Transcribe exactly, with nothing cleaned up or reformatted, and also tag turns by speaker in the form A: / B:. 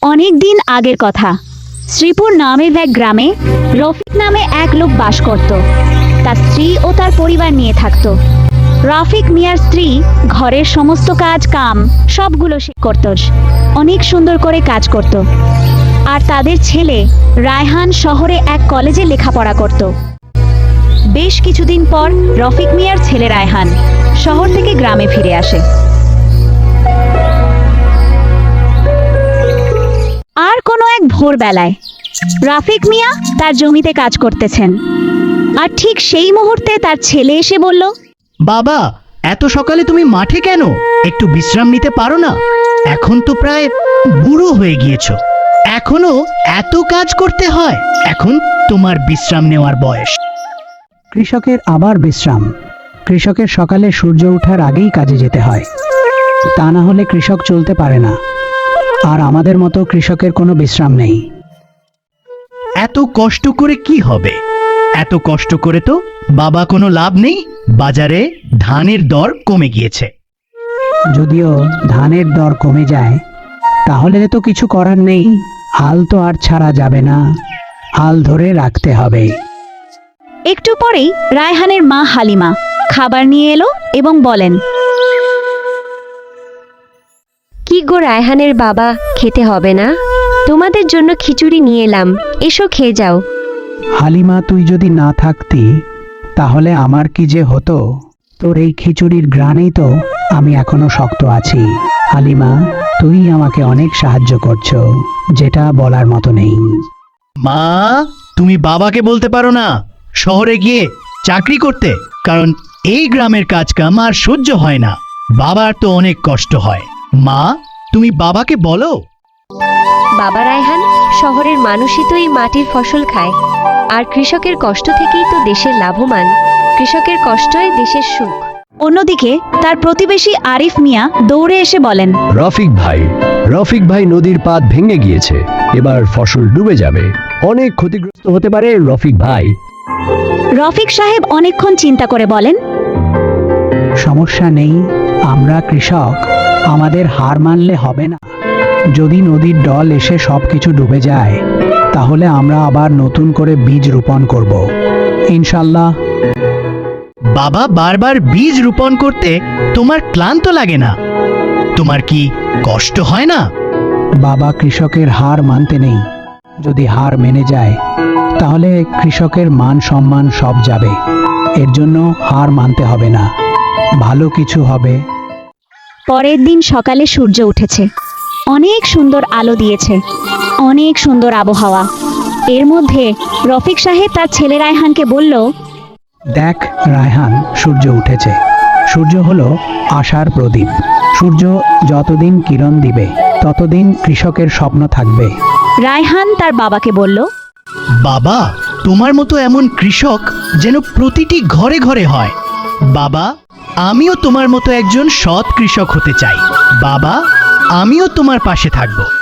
A: অনেক দিন আগের কথা। শ্রীপুর নামের এক গ্রামে রফিক নামে এক লোক বাস করত। তার স্ত্রী ও তার পরিবার নিয়ে থাকত। রফিক মিয়ার স্ত্রী ঘরের সমস্ত কাজ কাম সবগুলো সে করত, অনেক সুন্দর করে কাজ করত। আর তাদের ছেলে রায়হান শহরে এক কলেজে লেখাপড়া করত। বেশ কিছুদিন পর রফিক মিয়ার ছেলে রায়হান শহর থেকে গ্রামে ফিরে আসে। আর কোনো এক ভোরবেলায় রাফিক মিয়া তার জমিতে কাজ করতেছেন, আর ঠিক সেই মুহূর্তে তার ছেলে এসে বলল,
B: বাবা, এত সকালে তুমি মাঠে কেন? একটু বিশ্রাম নিতে পারো না? এখন তো প্রায় বুড়ো হয়ে গিয়েছো, এখনো এত কাজ করতে হয়? এখন তোমার বিশ্রাম নেওয়ার বয়স।
C: কৃষকের আবার বিশ্রাম। কৃষকের সকালে সূর্য ওঠার আগেই কাজে যেতে হয়, তা না হলে কৃষক চলতে পারে না। আর আমাদের মতো কৃষকের কোনো বিশ্রাম নেই।
B: এত কষ্ট করে কি হবে? এত কষ্ট করে তো বাবা কোনো লাভ নেই। বাজারে ধানের দর কমে গিয়েছে।
C: যদিও ধানের দর কমে যায়, তাহলে তো কিছু করার নেই। হাল তো আর ছাড়া যাবে না, হাল ধরে রাখতে হবে।
A: একটু পরেই রায়হানের মা হালিমা খাবার নিয়ে এলো এবং বলেন,
D: কি গো রায়হানের বাবা, খেতে হবে না? তোমাদের জন্য খিচুড়ি নিয়ে এলাম, এসো খেয়ে যাও।
C: হালিমা, তুই যদি না থাকতি তাহলে আমার কি যে হতো। তোর এই খিচুড়ির ঘ্রাণেই তো আমি এখনো শক্ত আছি। হালিমা, তুই আমাকে অনেক সাহায্য করছো, যেটা বলার মতো নেই।
B: মা, তুমি বাবাকে বলতে পারো না শহরে গিয়ে চাকরি করতে? কারণ এই গ্রামের কাজ কাম আর সহ্য হয় না। বাবার তো অনেক কষ্ট হয়। মা, তুমি বাবাকে বলো।
D: বাবা রায়হান, শহরের মানুষই তো এই মাটির ফসল খায়, আর কৃষকের কষ্ট থেকেই তো দেশের লাভমান। কৃষকের কষ্টই দেশের সুখ।
A: অন্যদিকে তার প্রতিবেশী আরিফ মিয়া দৌড়ে এসে বলেন,
E: রফিক ভাই, রফিক ভাই, নদীর পাত ভেঙে গিয়েছে, এবার ফসল ডুবে যাবে, অনেক ক্ষতিগ্রস্ত হতে পারে রফিক ভাই।
A: রফিক সাহেব অনেকক্ষণ চিন্তা করে বলেন,
C: সমস্যা নেই, আমরা কৃষক, আমাদের হার মানলে হবে না। যদি নদীর ডল এসে সবকিছু ডুবে যায়, তাহলে আমরা আবার নতুন করে বীজ রোপণ করব, ইনশাল্লাহ।
B: বাবা, বারবার বীজ রোপণ করতে তোমার ক্লান্ত লাগে না? তোমার কি কষ্ট হয় না?
C: বাবা, কৃষকের হার মানতে নেই। যদি হার মেনে যায়, তাহলে কৃষকের মান সম্মান সব যাবে। এর জন্য হার মানতে হবে না, ভালো কিছু হবে।
A: পরের দিন সকালে সূর্য উঠেছে, অনেক সুন্দর আলো দিয়েছে, অনেক সুন্দর আবহাওয়া। এর মধ্যে রফিক সাহেব তার ছেলে রায়হানকে বলল,
C: দেখ রায়হান, সূর্য উঠেছে। সূর্য হলো আশার প্রদীপ। সূর্য যতদিন কিরণ দিবে, ততদিন কৃষকের স্বপ্ন থাকবে।
A: রায়হান তার বাবাকে বলল,
B: বাবা, তোমার মতো এমন কৃষক যেন প্রতিটি ঘরে ঘরে হয়। বাবা, আমিও তোমার মতো একজন সৎ কৃষক হতে চাই। বাবা, আমিও তোমার পাশে থাকবো।